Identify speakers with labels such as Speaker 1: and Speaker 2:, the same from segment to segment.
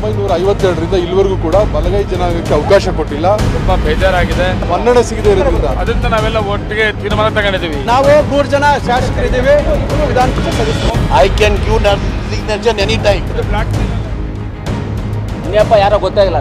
Speaker 1: 1952ರಿಂದ ಇಲ್ಲಿವರೆಗೂ ಕೂಡ ಬಲಗೈ ಜನಾಂಗಕ್ಕೆ ಅವಕಾಶ ಕೊಟ್ಟಿಲ್ಲ.
Speaker 2: ತುಂಬಾ ಬೇಜಾರಾಗಿದೆ.
Speaker 1: ಮನ್ನಣೆ ಸಿಗದೆ ಇರೋದ್ರಿಂದ
Speaker 2: ಅದರಿಂದ ನಾವೆಲ್ಲ ಒಟ್ಟಿಗೆ ತೀರ್ಮಾನ ತಗೊಂಡಿದ್ದೀವಿ.
Speaker 3: ನಾವು 3 ಜನ ಶಾಸಕರಿದ್ದೀವಿ. ವಿಧಾನ ಪರಿಷತ್ ಸದಸ್ಯರು.
Speaker 4: I can give that signature any time.
Speaker 3: ಇನ್ನಪ್ಪ ಯಾರೋ ಗೊತ್ತಾಗಿಲ್ಲ,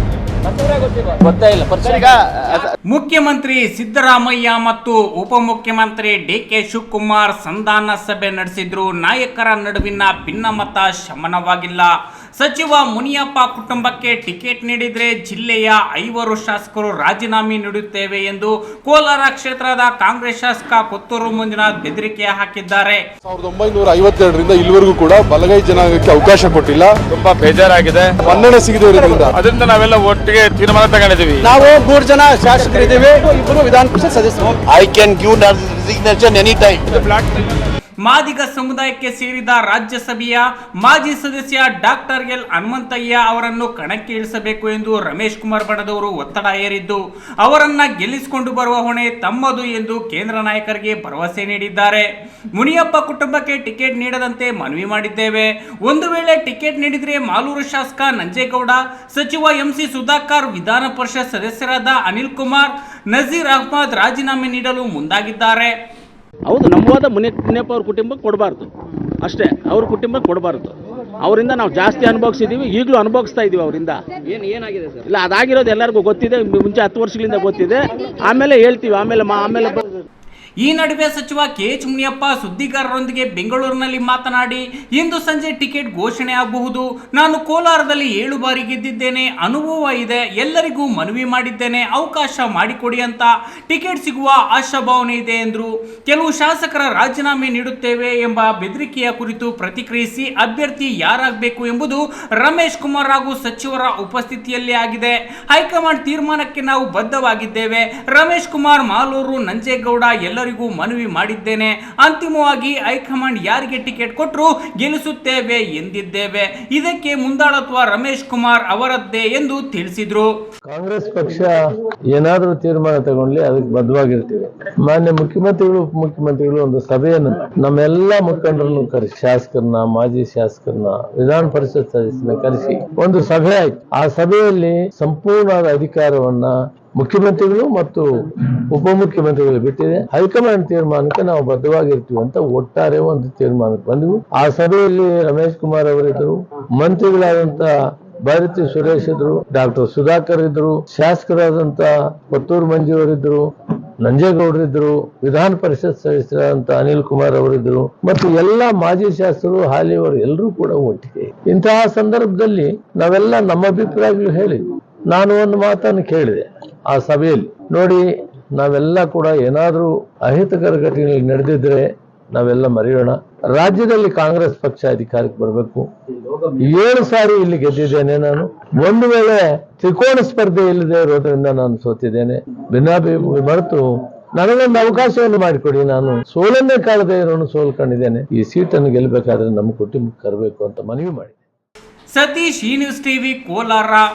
Speaker 3: ಗೊತ್ತಾಗಿಲ್ಲ.
Speaker 5: ಮುಖ್ಯಮಂತ್ರಿ ಸಿದ್ದರಾಮಯ್ಯ ಮತ್ತು ಉಪಮುಖ್ಯಮಂತ್ರಿ ಡಿಕೆ ಶಿವಕುಮಾರ್ ಸಂಧಾನ ಸಭೆ ನಡೆಸಿದ್ರು. ನಾಯಕರ ನಡುವಿನ ಭಿನ್ನಮತ ಶಮನವಾಗಿಲ್ಲ. ಸಚಿವ ಮುನಿಯಪ್ಪ ಕುಟುಂಬಕ್ಕೆ ಟಿಕೆಟ್ ನೀಡಿದ್ರೆ ಜಿಲ್ಲೆಯ 5 ಶಾಸಕರು ರಾಜೀನಾಮೆ ನೀಡುತ್ತೇವೆ ಎಂದು ಕೋಲಾರ ಕ್ಷೇತ್ರದ ಕಾಂಗ್ರೆಸ್ ಶಾಸಕ ಕೊತ್ತೂರು ಮಂಜುನಾಥ್ ಬೆದರಿಕೆ ಹಾಕಿದ್ದಾರೆ.
Speaker 1: 1952ರಿಂದ ಇಲ್ಲಿವರೆಗೂ ಕೂಡ ಬಲಗೈ ಜನಾಂಗಕ್ಕೆ ಅವಕಾಶ ಕೊಟ್ಟಿಲ್ಲ.
Speaker 2: ತುಂಬಾ ಬೇಜಾರಾಗಿದೆ.
Speaker 1: ಮನ್ನಣೆ ಸಿಗದೆ ಇರೋದ್ರಿಂದ
Speaker 2: ಅದರಿಂದ ನಾವೆಲ್ಲ ಒಟ್ಟಿಗೆ ತೀರ್ಮಾನ ತಗೊಂಡಿದ್ದೀವಿ.
Speaker 3: ನಾವು 3 ಜನ ಶಾಸಕರಿದ್ದೀವಿ. ಇಬ್ಬರು ವಿಧಾನ ಪರಿಷತ್ ಸದಸ್ಯರು.
Speaker 4: I can give that signature any time.
Speaker 5: Madiga ಸಮುದಾಯಕ್ಕೆ ಸೇರಿದ ರಾಜ್ಯಸಭೆಯ ಮಾಜಿ ಸದಸ್ಯ ಡಾಕ್ಟರ್ ಎಲ್ ಹನುಮಂತಯ್ಯ ಅವರನ್ನು ಕಣಕ್ಕೆ ಇಳಿಸಬೇಕು ಎಂದು ರಮೇಶ್ ಕುಮಾರ್ ಬಣದವರು ಒತ್ತಡ ಹೇರಿದ್ದು, ಅವರನ್ನ ಗೆಲ್ಲಿಸಿಕೊಂಡು ಬರುವ ಹೊಣೆ ತಮ್ಮದು ಎಂದು ಕೇಂದ್ರ ನಾಯಕರಿಗೆ ಭರವಸೆ ನೀಡಿದ್ದಾರೆ. ಮುನಿಯಪ್ಪ ಕುಟುಂಬಕ್ಕೆ ಟಿಕೆಟ್ ನೀಡದಂತೆ ಮನವಿ ಮಾಡಿದ್ದೇವೆ. ಒಂದು ವೇಳೆ ಟಿಕೆಟ್ ನೀಡಿದರೆ ಮಾಲೂರು ಶಾಸಕ ನಂಜೇಗೌಡ, ಸಚಿವ ಎಂಸಿ ಸುಧಾಕರ್, ವಿಧಾನ ಪರಿಷತ್ ಸದಸ್ಯರಾದ ಅನಿಲ್ ಕುಮಾರ್, ನಜೀರ್ ಅಹ್ಮದ್ ರಾಜೀನಾಮೆ ನೀಡಲು ಮುಂದಾಗಿದ್ದಾರೆ.
Speaker 6: ಹೌದು, ನಮ್ಮವಾದ ಮುನಿಯಪ್ಪ ಅವ್ರ ಕುಟುಂಬಕ್ಕೆ ಕೊಡಬಾರ್ದು ಅಷ್ಟೇ, ಅವ್ರ ಕುಟುಂಬಕ್ಕೆ ಕೊಡಬಾರ್ದು. ಅವರಿಂದ ನಾವು ಜಾಸ್ತಿ ಅನುಭವಿಸಿದ್ದೀವಿ, ಈಗಲೂ ಅನುಭವಿಸ್ತಾ ಇದ್ದೀವಿ ಅವರಿಂದ. ಏನಾಗಿದೆ ಸರ್? ಇಲ್ಲ, ಅದಾಗಿರೋದು ಎಲ್ಲರಿಗೂ ಗೊತ್ತಿದೆ, ಮುಂಚೆ 10 ವರ್ಷಗಳಿಂದ ಗೊತ್ತಿದೆ. ಆಮೇಲೆ ಹೇಳ್ತೀವಿ, ಆಮೇಲೆ
Speaker 5: ಈ ನಡುವೆ ಸಚಿವ ಕೆಎಚ್ ಮುನಿಯಪ್ಪ ಸುದ್ದಿಗಾರರೊಂದಿಗೆ ಬೆಂಗಳೂರಿನಲ್ಲಿ ಮಾತನಾಡಿ, ಇಂದು ಸಂಜೆ ಟಿಕೆಟ್ ಘೋಷಣೆ ಆಗಬಹುದು. ನಾನು ಕೋಲಾರದಲ್ಲಿ 7 ಬಾರಿ ಗೆದ್ದಿದ್ದೇನೆ, ಅನುಭವ ಇದೆ. ಎಲ್ಲರಿಗೂ ಮನವಿ ಮಾಡಿದ್ದೇನೆ, ಅವಕಾಶ ಮಾಡಿಕೊಡಿ ಅಂತ. ಟಿಕೆಟ್ ಸಿಗುವ ಆಶಾಭಾವನೆ ಇದೆ ಎಂದರು. ಕೆಲವು ಶಾಸಕರ ರಾಜೀನಾಮೆ ನೀಡುತ್ತೇವೆ ಎಂಬ ಬೆದರಿಕೆಯ ಕುರಿತು ಪ್ರತಿಕ್ರಿಯಿಸಿ, ಅಭ್ಯರ್ಥಿ ಯಾರಾಗಬೇಕು ಎಂಬುದು ರಮೇಶ್ ಕುಮಾರ್ ಹಾಗೂ ಸಚಿವರ ಉಪಸ್ಥಿತಿಯಲ್ಲಿ ಆಗಿದೆ. ಹೈಕಮಾಂಡ್ ತೀರ್ಮಾನಕ್ಕೆ ನಾವು ಬದ್ಧವಾಗಿದ್ದೇವೆ. ರಮೇಶ್ ಕುಮಾರ್, ಮಾಲೂರು, ನಂಜೇಗೌಡ ಎಲ್ಲರಿಗೂ ಮನವಿ ಮಾಡಿದ್ದೇನೆ. ಅಂತಿಮವಾಗಿ ಹೈಕಮಾಂಡ್ ಯಾರಿಗೆ ಟಿಕೆಟ್ ಕೊಟ್ಟರು ಗೆಲ್ಲಿಸುತ್ತೇವೆ ಎಂದಿದ್ದೇವೆ. ಇದಕ್ಕೆ ಮುಂದಾಳತ್ವ ರಮೇಶ್ ಕುಮಾರ್ ಅವರದ್ದೇ ಎಂದು ತಿಳಿಸಿದ್ರು.
Speaker 7: ಕಾಂಗ್ರೆಸ್ ಪಕ್ಷ ಏನಾದ್ರೂ ತೀರ್ಮಾನ ತಗೊಂಡ್ಲಿ ಅದಕ್ಕೆ ಬದ್ಧವಾಗಿರ್ತೀವಿ. ಮಾನ್ಯ ಮುಖ್ಯಮಂತ್ರಿಗಳು, ಉಪಮುಖ್ಯಮಂತ್ರಿಗಳು ಒಂದು ಸಭೆಯನ್ನು ನಮ್ಮೆಲ್ಲಾ ಮುಖಂಡರನ್ನು ಕರೆಸಿ, ಶಾಸಕರನ್ನ, ಮಾಜಿ ಶಾಸಕರನ್ನ, ವಿಧಾನ ಪರಿಷತ್ ಸದಸ್ಯರನ್ನ ಕರೆಸಿ ಒಂದು ಸಭೆ ಆಯ್ತು. ಆ ಸಭೆಯಲ್ಲಿ ಸಂಪೂರ್ಣವಾದ ಅಧಿಕಾರವನ್ನ ಮುಖ್ಯಮಂತ್ರಿಗಳು ಮತ್ತು ಉಪಮುಖ್ಯಮಂತ್ರಿಗಳು ಬಿಟ್ಟಿದೆ. ಹೈಕಮಾಂಡ್ ತೀರ್ಮಾನಕ್ಕೆ ನಾವು ಬದ್ಧವಾಗಿರ್ತೀವಿ ಅಂತ ಒಟ್ಟಾರೆ ಒಂದು ತೀರ್ಮಾನಕ್ಕೆ ಬಂದವು. ಆ ಸಭೆಯಲ್ಲಿ ರಮೇಶ್ ಕುಮಾರ್ ಅವರಿದ್ದರು, ಮಂತ್ರಿಗಳಾದಂತ ಭಾರತಿ ಸುರೇಶ್ ಇದ್ರು, ಡಾಕ್ಟರ್ ಸುಧಾಕರ್ ಇದ್ರು, ಶಾಸಕರಾದಂತ ಕೊತ್ತೂರು ಮಂಜು ಅವರಿದ್ರು, ನಂಜೇಗೌಡರಿದ್ರು, ವಿಧಾನ ಪರಿಷತ್ ಸದಸ್ಯರಾದಂತ ಅನಿಲ್ ಕುಮಾರ್ ಅವರಿದ್ರು, ಮತ್ತು ಎಲ್ಲಾ ಮಾಜಿ ಶಾಸಕರು, ಹಾಲಿಯವರು ಎಲ್ಲರೂ ಕೂಡ ಒಟ್ಟಿಗೆ. ಇಂತಹ ಸಂದರ್ಭದಲ್ಲಿ ನಾವೆಲ್ಲ ನಮ್ಮ ಅಭಿಪ್ರಾಯಗಳು ಹೇಳಿದ್ವಿ. ನಾನು ಒಂದು ಮಾತನ್ನು ಕೇಳಿದೆ ಆ ಸಭೆಯಲ್ಲಿ, ನೋಡಿ ನಾವೆಲ್ಲ ಕೂಡ ಏನಾದ್ರೂ ಅಹಿತಕರ ಘಟನೆಗಳು ನಡೆದಿದ್ರೆ ನಾವೆಲ್ಲ ಮರೆಯೋಣ. ರಾಜ್ಯದಲ್ಲಿ ಕಾಂಗ್ರೆಸ್ ಪಕ್ಷ ಅಧಿಕಾರಕ್ಕೆ ಬರಬೇಕು. 7 ಸಾರಿ ಇಲ್ಲಿ ಗೆದ್ದಿದ್ದೇನೆ ನಾನು. ಒಂದು ವೇಳೆ ತ್ರಿಕೋಣ ಸ್ಪರ್ಧೆ ಇಲ್ಲದೆ ಇರೋದ್ರಿಂದ ನಾನು ಸೋತಿದ್ದೇನೆ. ಭಿನ್ನಾಭಿಪ್ರಾಯ ಮರೆತು ನನಗೊಂದು ಅವಕಾಶವನ್ನು ಮಾಡಿಕೊಡಿ. ನಾನು ಸೋಲನ್ನೇ ಕಾಣದೇ ಇರೋನು ಸೋಲ್ಕೊಂಡಿದ್ದೇನೆ. ಈ ಸೀಟನ್ನು ಗೆಲ್ಲಬೇಕಾದ್ರೆ ನಮ್ಮ ಕುಟುಂಬಕ್ಕೆ ಕರಬೇಕು ಅಂತ ಮನವಿ ಮಾಡಿ.
Speaker 5: ಸತೀಶ್, ಈ ನ್ಯೂಸ್ ಟಿವಿ, ಕೋಲಾರ.